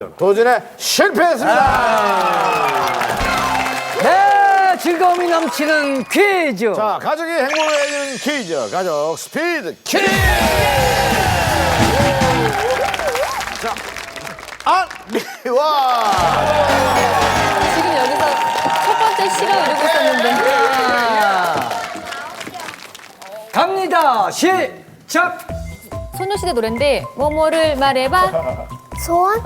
도전에 실패했습니다. 네, 즐거움이 넘치는 퀴즈. 자, 가족이 행복을 해주는 퀴즈. 가족 스피드 퀴즈. 자, 안미와. 지금 여기서 첫 번째 시간 이루고 있었는데. 갑니다. 시작. 소녀시대 노래인데 뭐뭐를 말해봐. 소원?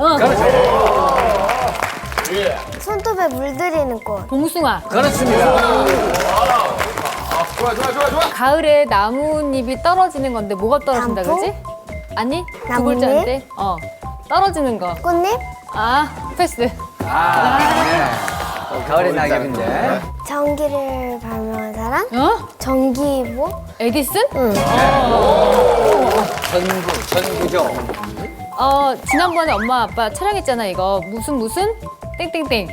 예. 손톱에 물들이는 꽃. 봉숭아. 그렇습니다. 좋아. 가을에 나뭇잎이 떨어지는 건데 뭐가 떨어진다 단풍? 그러지? 아니 두 나뭇잎? 글자인데 떨어지는 거. 꽃잎? 아 패스. 가을의 낙엽인데. 전기를 발명한 사람? 어? 전기보? 에디슨? 응. 전구죠. 지난번에 엄마 아빠 촬영했잖아 이거 무슨 땡땡땡.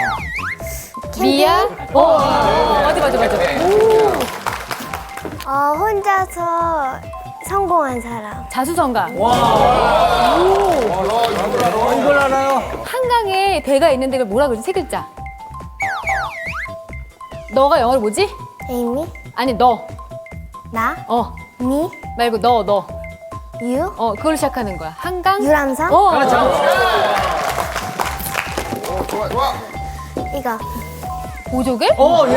미야? 맞아. 혼자서 성공한 사람. 자수성가. 이걸 알아요? 한강에 배가 있는데 그걸 뭐라 그러지? 세 글자. 너가 영어로 뭐지? 에이미? 아니 너. 나? 어 미? 말고 너. 유? 그걸로 시작하는 거야. 한강. 유람선? 그렇죠. 좋아. 이거. 보조개? 예.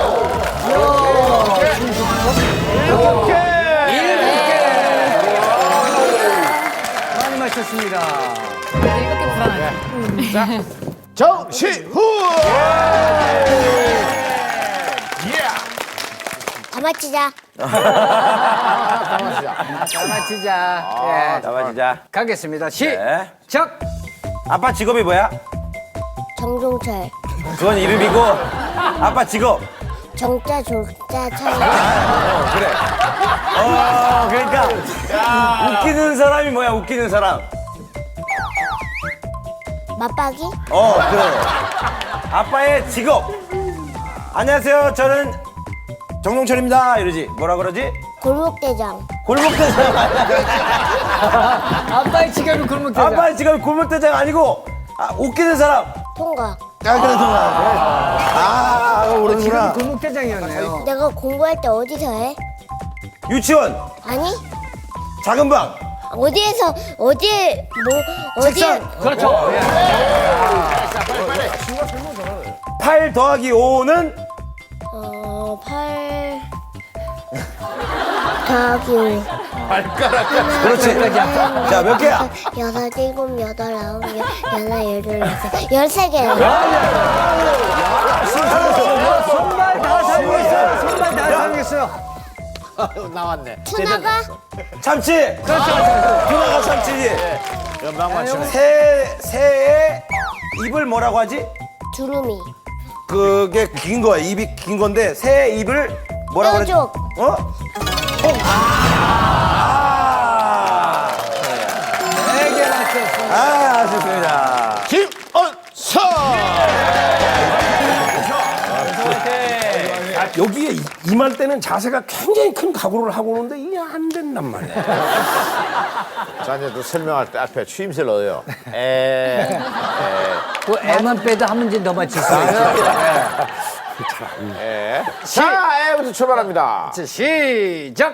많이 마셨습니다. 이렇게 불안하지. 자, 정시후. 다 맞히자. 마치자. 나와 진짜. 가겠습니다. 네. 시작. 아빠 직업이 뭐야? 정종철. 그건 이름이고 아빠 직업. 정자, 졸자, 차이. 그래. 그러니까 웃기는 사람이 뭐야? 웃기는 사람. 맞박이? 그래. 아빠의 직업. 안녕하세요. 저는 정동철입니다. 이러지. 뭐라 그러지? 골목대장. 골목대장 아니야. 아빠의 지갑이 골목대장. 아빠의 직업이 골목대장 아니고 웃기는 사람. 통과. 모르는구나. 지갑이 골목대장이었네요. 내가 공부할 때 어디서 해? 유치원, 아니? 작은 방, 어디에서, 어디에, 그렇죠. 8 더하기 5는 8 더하기 5. 그렇지. 자, 몇 개야? 6, 7, 8, 9, 10, 11, 12, 13개. 손발 다 사용했어요. 나왔네. 투나가? 참치. 그렇죠. 누나가 참치지. 연방 맞추네. 새의 입을 뭐라고 하지? 두루미. 그게 긴 거야. 입이 긴 건데 새의 입을 뭐라고 하지? 뾰족. 네개 맞췄습니다. 아쉽습니다. 김언서. 여기에 임할 때는 자세가 굉장히 큰 각오를 하고 오는데 이게 안 된단 말이야. 자, 이제 또 설명할 때 앞에 추임새를 넣어요. 그 애만 빼도 한 문제 더 맞출 수 있죠. 자, 애부터 출발합니다. 자, 시작.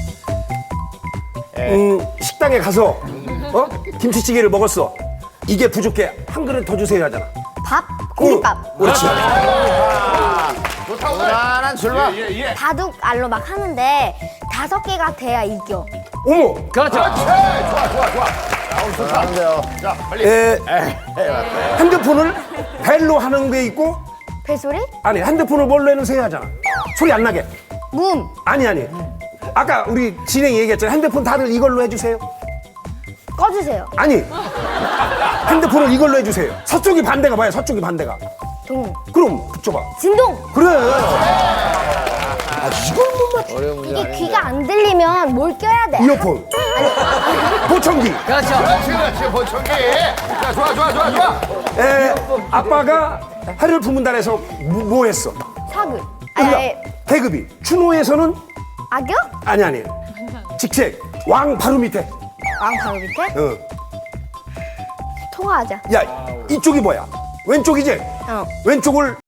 식당에 가서 김치찌개를 먹었어. 이게 부족해. 한 그릇 더 주세요 하잖아. 밥? 공깃밥. 그렇지. 무난한 출발. 바둑 알로 막 하는데 5개가 돼야 이겨. 어머. 그렇죠. 잘하는데요. 자, 빨리. 핸드폰을 벨로 하는 게 있고 벨소리? 아니 핸드폰을 뭘로 해놓으세요 하잖아. 소리 안 나게. 문. 아니. 아까 우리 진행이 얘기했잖아. 핸드폰 다들 이걸로 해주세요. 꺼주세요. 아니. 핸드폰을 이걸로 해주세요. 서쪽이 반대가 뭐야? 서쪽이 반대가. 동. 그럼 붙여봐. 진동. 그래. 어려운 문제 이게 아닌데. 귀가 안 들리면 뭘 껴야 돼? 이어폰. 보청기. 그렇죠. 그렇지, 보청기. 자, 좋아. 아빠가 해를 품은다 해서 뭐 했어? 사극. 응답. 아니, 계급이. 추노에서는 악역? 아니. 직책. 왕 바로 밑에. 왕 바로 밑에? 어. 통화하자. 야, 이쪽이 뭐야? 왼쪽이지? 어. 왼쪽을